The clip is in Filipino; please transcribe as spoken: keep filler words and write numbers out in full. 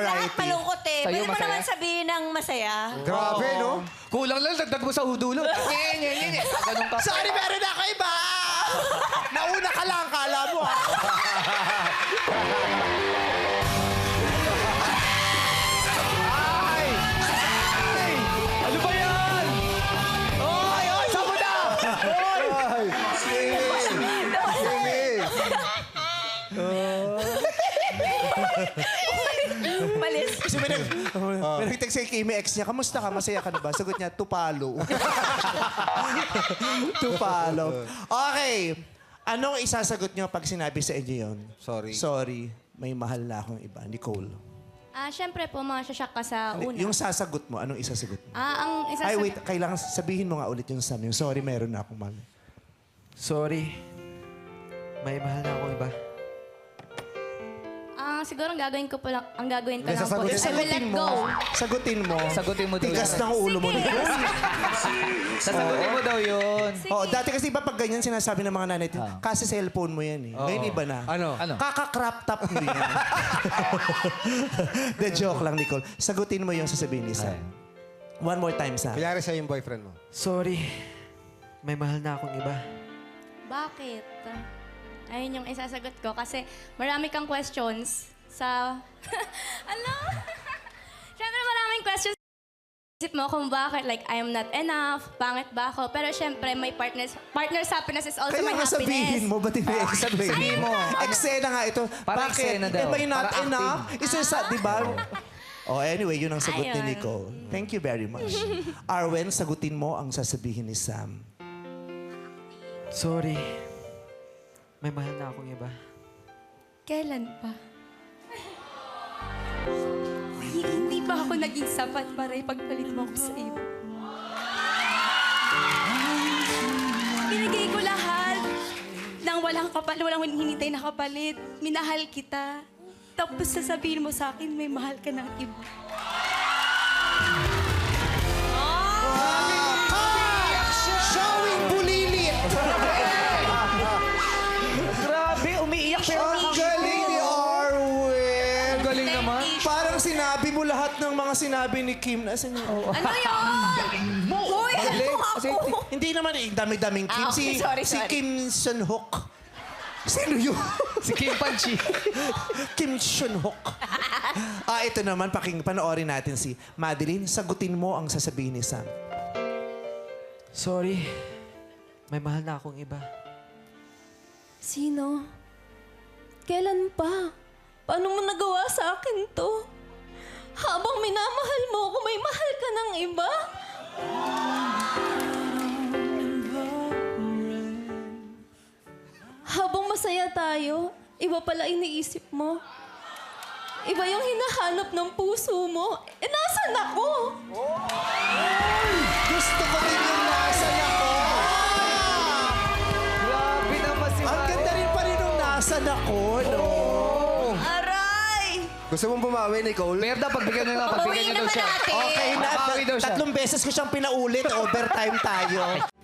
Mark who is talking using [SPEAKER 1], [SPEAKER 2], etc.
[SPEAKER 1] lahat malungkot eh.
[SPEAKER 2] Sa'yo,
[SPEAKER 1] Pwede mo
[SPEAKER 2] masaya?
[SPEAKER 1] naman sabihin ng masaya.
[SPEAKER 3] Grabe, no?
[SPEAKER 2] Kulang lang, dagdag mo sa hudulo. Nye, nye, nye, nye. Ganun ka.
[SPEAKER 4] Sorry, meron ako iba! Nauna ka lang, kala mo ah.
[SPEAKER 2] Ay! Ay! Ano ba yan? Oy, oy, saan mo na? Oy!
[SPEAKER 3] Ay! Simi!
[SPEAKER 1] Malis.
[SPEAKER 4] Kasi may, nag, may nag-text kay Kimi, ex niya, kamusta ka? Masaya ka na ba? Sagot niya, tupalo. Tupalo. Okay. Anong isasagot niyo pag sinabi sa inyo yun?
[SPEAKER 3] Sorry.
[SPEAKER 4] Sorry. May mahal na akong iba. Nicole.
[SPEAKER 5] Ah, syempre po, masasyak ka sa una.
[SPEAKER 4] Yung sasagot mo, anong isasagot mo?
[SPEAKER 5] Ah, ang isa
[SPEAKER 4] Ay,
[SPEAKER 5] sa...
[SPEAKER 4] wait. Kailangan sabihin mo nga ulit yung Sam. Yung sorry, meron na akong mahal.
[SPEAKER 6] Sorry. May mahal na akong iba.
[SPEAKER 5] Ah, siguro ang gagawin ko po lang, ang gagawin ko
[SPEAKER 3] Hindi,
[SPEAKER 5] lang po
[SPEAKER 3] sasagutin-
[SPEAKER 5] is I will let
[SPEAKER 4] Sagutin mo.
[SPEAKER 5] go.
[SPEAKER 4] Sagutin mo.
[SPEAKER 2] Sagutin mo daw
[SPEAKER 4] Tigas
[SPEAKER 2] yan.
[SPEAKER 4] ng ulo mo.
[SPEAKER 5] Sige.
[SPEAKER 2] Sasagutin mo daw yun.
[SPEAKER 4] Oh, dati kasi iba pag ganyan sinasabi ng mga nanay, kasi cellphone mo yan eh. Ngayon iba na.
[SPEAKER 3] Ano?
[SPEAKER 2] Ano?
[SPEAKER 4] Kaka-crop top mo yan. The joke lang, Nicole. Sagutin mo yung sasabihin ni Sam. One more time, Sam.
[SPEAKER 3] Kunyari siya yung boyfriend mo.
[SPEAKER 6] Sorry. May mahal na akong iba.
[SPEAKER 5] Bakit? Ayun yung isasagot ko kasi marami kang questions sa... Ano? Siyempre maraming questions sa isip mo kung bakit. Like, I am not enough, pangit ba ako? Pero siyempre, may partners, partner's happiness is also
[SPEAKER 4] Kaya
[SPEAKER 5] my
[SPEAKER 4] nga
[SPEAKER 5] happiness.
[SPEAKER 4] sabihin mo, ba't hindi explain?
[SPEAKER 2] Sabihin mo.
[SPEAKER 4] Eksena nga ito.
[SPEAKER 2] Parang
[SPEAKER 4] Bakit?
[SPEAKER 2] eksena daw.
[SPEAKER 4] Am I not
[SPEAKER 2] Parang
[SPEAKER 4] enough? Isa sa, di ba? Oh, anyway, yun ang sagot ni
[SPEAKER 5] Ayun.
[SPEAKER 4] Nicole. Thank you very much. Arwen, sagutin mo ang sasabihin ni Sam.
[SPEAKER 6] Sorry. May mahal na akong iba.
[SPEAKER 5] Kailan pa? Hindi ba ako naging sapat para ipagpalit mo ako sa iyo? Binigay ko lahat nang walang kapalit, walang hinintay na kapalit. Minahal kita. Tapos sasabihin mo sa akin, may mahal ka ng iba.
[SPEAKER 4] Showing bulilit!
[SPEAKER 2] Grabe, umiiyak pero
[SPEAKER 4] Ang galing ni Arwen!
[SPEAKER 2] galing naman.
[SPEAKER 4] Parang sinabi mo lahat ng mga sinabi ni Kim. Nasaan yun?
[SPEAKER 5] Ano yun?
[SPEAKER 1] Uy, ano ako?
[SPEAKER 4] Hindi naman eh, dami-daming Kim.
[SPEAKER 1] Ah, okay.
[SPEAKER 4] Si,
[SPEAKER 1] Sorry,
[SPEAKER 4] si
[SPEAKER 1] sorry.
[SPEAKER 4] Kim Sun-hook. Sino yun?
[SPEAKER 2] Si Kim Panchi.
[SPEAKER 4] Kim Sun-hook. Ah, ito naman, paking panoorin natin si Madeline. Sagutin mo ang sasabihin ni Sam.
[SPEAKER 6] Sorry. May mahal na akong iba.
[SPEAKER 7] Sino? Kailan pa? Paano mo nagawa sa akin to? Habang minamahal mo ako, may mahal ka ng iba? Habang masaya tayo, iba pala iniisip mo. Iba yung hinahanap ng puso mo. Eh, nasan ako?
[SPEAKER 4] Gusto ko rin yung nasa ako.
[SPEAKER 2] Grabe naman si
[SPEAKER 4] Ang ganda rin pa rin yung nasa ako, no?
[SPEAKER 1] Aray!
[SPEAKER 3] Gusto mong bumawi, Nicole?
[SPEAKER 2] Merda, pagbigyan na lang. Pagbigyan
[SPEAKER 1] Bawiin
[SPEAKER 2] niya daw
[SPEAKER 1] naman
[SPEAKER 2] siya.
[SPEAKER 1] natin.
[SPEAKER 4] Okay na.
[SPEAKER 2] Babawi daw siya.
[SPEAKER 4] Tatlong beses ko siyang pinaulit. Overtime tayo.